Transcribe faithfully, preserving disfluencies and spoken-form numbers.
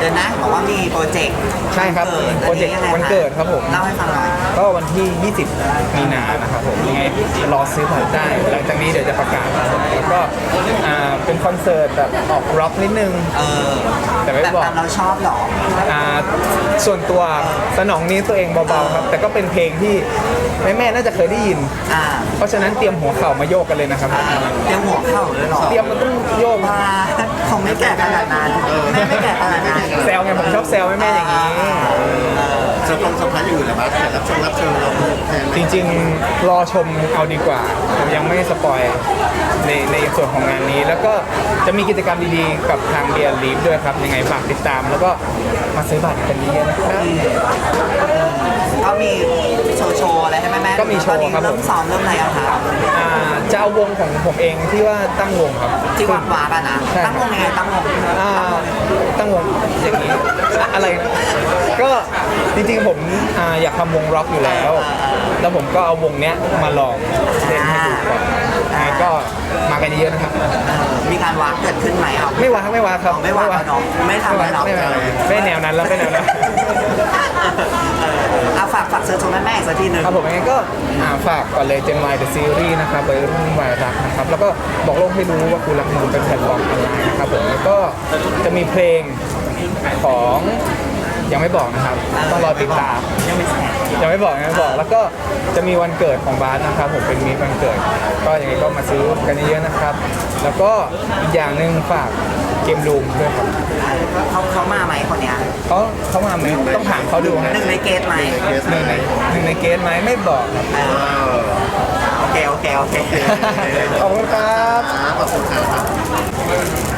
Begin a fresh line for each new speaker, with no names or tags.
ดือนหน้าบอกว่ามีโปรเจกต์
ใช่ครับโปรเจกต์วันเกิดครับผม
เล่าให้ฟังหน่อย
ก็วันที่ ยี่สิบ มีนานะครับผมยังไงรอซื้อบัตรได้ หลังจากนี้เดี๋ยวจะประกาศแล้วก็อ่าเป็นคอนเสิร์ตแบบออกร็อกนิดนึง
เออ
แต่ไม่บอก
ตามเราชอบหรอ
อ่าส่วนตัวสนองนี้ตัวเองเบาๆครับ แต่ก็เป็นเพลงที่แม่ๆน่าจะเคยได้ยิน
อ่า
เพราะฉะนั้นเตรียมหัวเข่ามาโยกกันเลยนะครับ
อ่าเตรียมหัวเข่าเลยเหรอ
เตรียมมันต้องโยก
มาคงไม่แก่ขนาดนั้นแม่ไม่แก่ขนาดนั้น
แซวไงผมชอบแซวแม่ๆอย่างนี้
เซอร์ไพรส์เซอร์ไพรส์อย่างอื่นเหรอครับแขกรับเชิญรับเชิญเราแทนไหม
จริงๆ รอชมเอาดีกว่าผมยังไม่สปอยในในส่วนของงานนี้ แล้วก็จะมีกิจกรรมดีๆ กับทางเบียร์ลีฟด้วยครับ ยังไงฝากติดตาม แล้วก็มาซื้อบัตรกันเยอะๆนะครับ
ก็มีโชว์โชว์อะไรให้แม่แม่
ก็มีโชว์ครับ
เริ่มซ้อมเริ่มอะไรอะครับ
อ่าจะเอาวงของผมเองที่ว่าตั้งวงครับ
ที่วัดวากันนะ
ใช่
ตั้งวงยังไงตั้งวง
อ่าตั้งวงอย่างนี้อะไรนะก็จริงๆผมอ่าอยากทำวงร็อกอยู่แล้ว แล้วผมก็เอาวงเนี้ยมาลองเล่นให้ดูก่อนยังไงก็มากันเยอะๆนะครับ
เออมีการวางเกิดขึ้นไหมครับ
ไม่วางไม่วางครับ
อ๋อไม่วางแล้วเนอะไม่ทำแล้วเนอะ
ไม่วางไม่แนวนั้นแล้วไม่แนวนั้น
เออเอาฝากฝากเชิญชมแม่แม่อีกสักทีหนึ่ง
ครับผมยังไงก็อ่าฝากก่อนเลย Gen Y The Series นะครับวัยรุ่นวัยรักนะครับแล้วก็บอกโลกให้รู้ว่ากูรักมึงเป็นแพลตฟอร์มออนไลน์นะครับผมแล้วก็จะมีเพลงของยังไม่บอกนะครับต้องรอติดตาม
ยังไม่แสบ
ยังไม่บอกยังไม่บอกแล้วก็จะมีวันเกิดของบาสนะครับผมเป็นมีวันเกิด ก็ยังไงก็มาซื้อกันเยอะๆนะครับ แล้วก็อีกอย่างหนึ่งฝากเกมรูมด้วยครับ
เขาเขามาไหมคนเนี้ย
เขาเขามาไหมต้องถามเขาดูฮะ
หนึ่งในเกตไหม
เกส
หนึ่งในหนึ่งในเกณฑ์ไหมไม่บอกครับ
เออโอเคโอเคโอเค
ขอบคุณครับ
ขอบคุณครับ